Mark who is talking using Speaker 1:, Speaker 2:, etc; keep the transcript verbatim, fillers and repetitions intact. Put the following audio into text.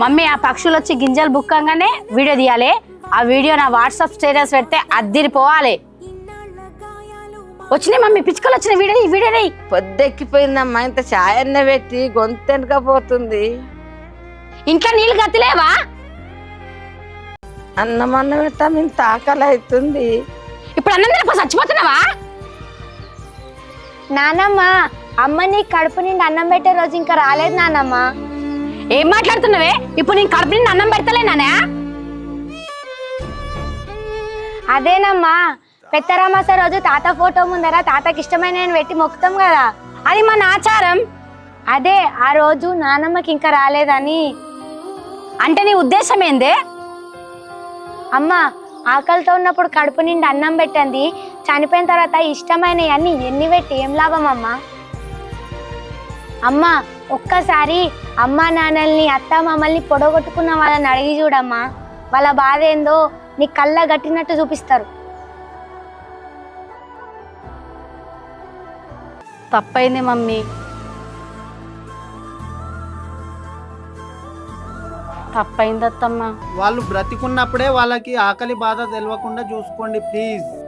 Speaker 1: Mummy ఆ పక్షులు వచ్చి గింజలు బుక్కంగానే వీడియో తీయాలి. ఆ వీడియో నా వాట్సాప్ స్టేటస్ పెడితే అద్దిరిపోవాలి. వచ్చినాయి మమ్మీ, పిచ్చుకలు వచ్చిన వీడియో ఈ వీడియో
Speaker 2: పొద్దెక్కిపోయిందమ్మా, ఇంత ఛాయన్న పెట్టి గొంతెనకపోతుంది.
Speaker 1: ఇంట్లో నీళ్ళు గతిలేవా?
Speaker 2: అన్నం అన్నం పెట్టాము, ఇంత ఆకలి అవుతుంది.
Speaker 1: ఇప్పుడు అన్నం తినపో చచ్చిపోతున్నావా?
Speaker 3: నానమ్మ, అమ్మ నీ కడుపు నిండి అన్నం పెట్టే రోజు ఇంకా రాలేదు నానమ్మ.
Speaker 1: ఏం మాట్లాడుతున్నావే? ఇప్పుడు నేను కడుపు నిండి అన్నం పెడతలేనా?
Speaker 3: అదేనమ్మా, పెద్దరామాస రోజు తాత ఫోటో ముందర తాతకి ఇష్టమైన పెట్టి మొక్కుతాం కదా,
Speaker 1: అది మన ఆచారం.
Speaker 3: అదే ఆ రోజు నానమ్మకి ఇంకా రాలేదని.
Speaker 1: అంటే నీ ఉద్దేశం ఏందే?
Speaker 3: అమ్మ, ఆకలితో ఉన్నప్పుడు కడుపు నిండి అన్నం పెట్టండి, చనిపోయిన తర్వాత ఇష్టమైనవి అన్ని ఎన్ని పెట్టి ఏం లాభం అమ్మా? అమ్మ, ఒక్కసారి అమ్మా నాన్నల్ని అత్త మమ్మల్ని పొడగొట్టుకున్న వాళ్ళని అడిగి చూడమ్మా, వాళ్ళ బాధ ఏందో నీ కళ్ళ గట్టినట్టు చూపిస్తారు.
Speaker 1: తప్పైంది మమ్మీ, తప్పైంది అత్తమ్మ.
Speaker 4: వాళ్ళు బ్రతికున్నప్పుడే వాళ్ళకి ఆకలి బాధ తెలియకుండా చూసుకోండి ప్లీజ్.